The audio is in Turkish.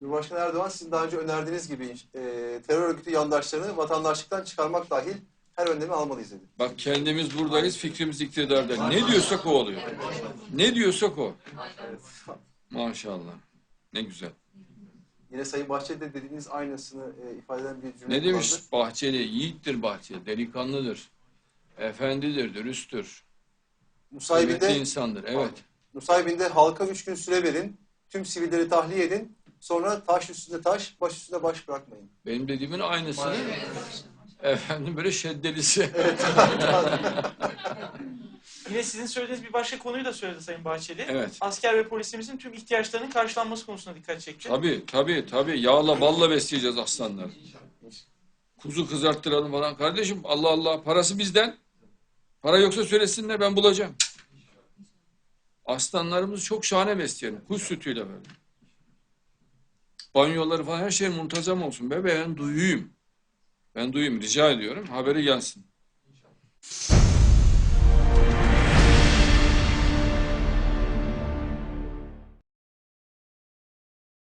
Cumhurbaşkanı Erdoğan sizin daha önce önerdiğiniz gibi terör örgütü yandaşlarını vatandaşlıktan çıkarmak dahil her önlemi almalıyız dedi. Bak kendimiz buradayız, fikrimiz iktidarda. Ne diyorsak o oluyor. Ne diyorsak o. Maşallah. Ne güzel. Yine Sayın Bahçeli de dediğiniz aynısını ifade eden bir cümle Ne demiş kullandı. Bahçeli? Yiğittir Bahçeli, delikanlıdır. Efendidir, dürüsttür. Kıymetli insandır, evet. Nusaybin'de halka 3 gün süre verin, tüm sivilleri tahliye edin, sonra taş üstünde taş, baş üstünde baş bırakmayın. Benim dediğimin aynısını efendim böyle şeddelisi. Evet. Yine sizin söylediğiniz bir başka konuyu da söyledi Sayın Bahçeli. Evet. Asker ve polisimizin tüm ihtiyaçlarının karşılanması konusunda dikkat çekti. Tabii. Yağla balla besleyeceğiz aslanları. Kuzu kızarttıralım falan. Kardeşim Allah Allah parası bizden. Para yoksa söylesinler ben bulacağım. Aslanlarımızı çok şahane besleyelim. Kuş sütüyle böyle. Banyoları falan her şey muntazam olsun. Ben duyuyum. Ben duyuyum. Rica ediyorum. Haberi gelsin.